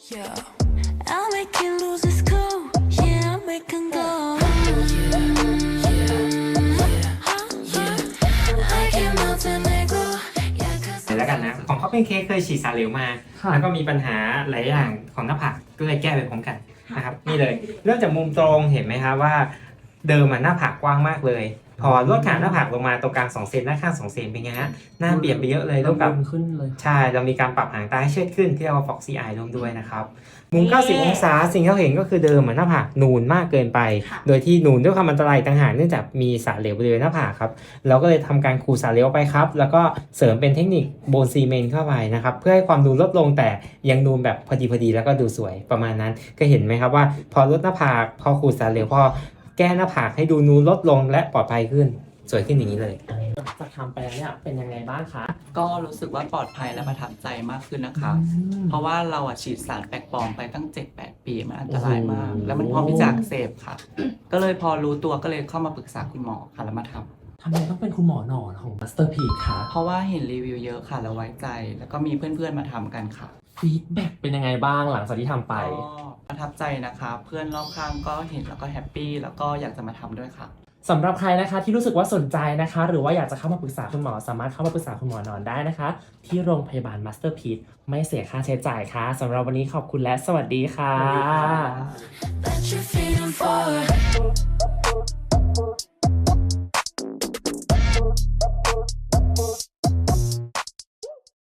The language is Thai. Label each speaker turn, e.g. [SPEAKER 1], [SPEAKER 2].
[SPEAKER 1] Yeah, I'll make you lose its cool. Yeah, I'll make him go. I can melt and let go. Yeah, 'cause
[SPEAKER 2] แล้วกันนะของเขาเป็นเค้กเคยฉีดสารเหลวมา แล้วก็มีปัญหาหลายอย่างของหน้าผากก็เลยแก้ไปพร้อมกันนะครับนี่เลยเริ่มจากมุมตรงเห็นไหมครับว่าเดิมหน้าผากกว้างมากเลย พอลดขนาดหน้าผากลงมาตรงกลาง2 เซนหน้าข้าง2 เซนเป็นไงฮะหน้าเปลี่ยนไปเยอะเลยร่วมกับ
[SPEAKER 3] ขึ้นเลย
[SPEAKER 2] ใช่เรามีการปรับหางตาให้เชิดขึ้นที่เรียกว่า Foxy Eye ร่วมด้วยนะครับมุม 90 องศาสิ่งที่เราเห็นก็คือเดิมหน้าผากนูนมากเกินไป โดยที่นูนด้วยความอันตรายต่างหากเนื่องจากมีสารเหลวบริเวณหน้าผากครับเราก็เลยทำการขูดสารเหลวไปครับแล้วก็เสริมเป็นเทคนิคโบนซีเมนต์เข้าไปนะครับเพื่อให้ความนูนลดลงแต่ยังนูนแบบพอดีแล้วก็ดูสวยประมาณนั้นก็เห็นไหมครับว่าพอลดหน้าผากพอขูดสารเหลวพอแก้หน้าผากให้ดูนูนลดลงและปลอดภัยขึ้นสวยขึ้นอย่างนี้เลย
[SPEAKER 3] หลังจากทำไปแล้วเนี่ยเป็นยังไงบ้างคะ
[SPEAKER 4] ก็รู้สึกว่าปลอดภัยและประทับใจมากขึ้นนะคะ เพราะว่าเราฉีดสารแปลกปลอมไปตั้ง 7-8 ปีมันอันตรายมาก
[SPEAKER 3] โอ้โห
[SPEAKER 4] แล้วมันพร้อมที่จะอักเสบค่ะ ก็เลยพอรู้ตัวก็เลยเข้ามาปรึกษาคุณหมอค่ะแล้วมาทำ
[SPEAKER 3] ทำไมต้องเป็นคุณหมอหนอนของ Masterpiece คะ
[SPEAKER 4] เพราะว่าเห็นรีวิวเยอะค่ะแล้วไว้ใจ แล้วก็มีเพื่อนๆมาทำกันค่ะ
[SPEAKER 3] ฟีดแบ็กเป็นยังไงบ้างหลังจากที่ทำไป
[SPEAKER 4] ก็ประทับใจนะคะ เพื่อนรอบข้างก็เห็นแล้วก็แฮปปี้แล้วก็อยากจะมาทำด้วยค่ะ
[SPEAKER 3] สำหรับใครนะคะที่รู้สึกว่าสนใจนะคะ หรือว่าอยากจะเข้ามาปรึกษาคุณหมอสามารถเข้ามาปรึกษาคุณหมอนอนได้นะคะ ที่โรงพยาบาล Masterpiece ไม่เสียค่าใช้จ่ายค่ะสำหรับวันนี้ขอบคุณและสวัสดีค่ะ
[SPEAKER 1] let your freedom forward.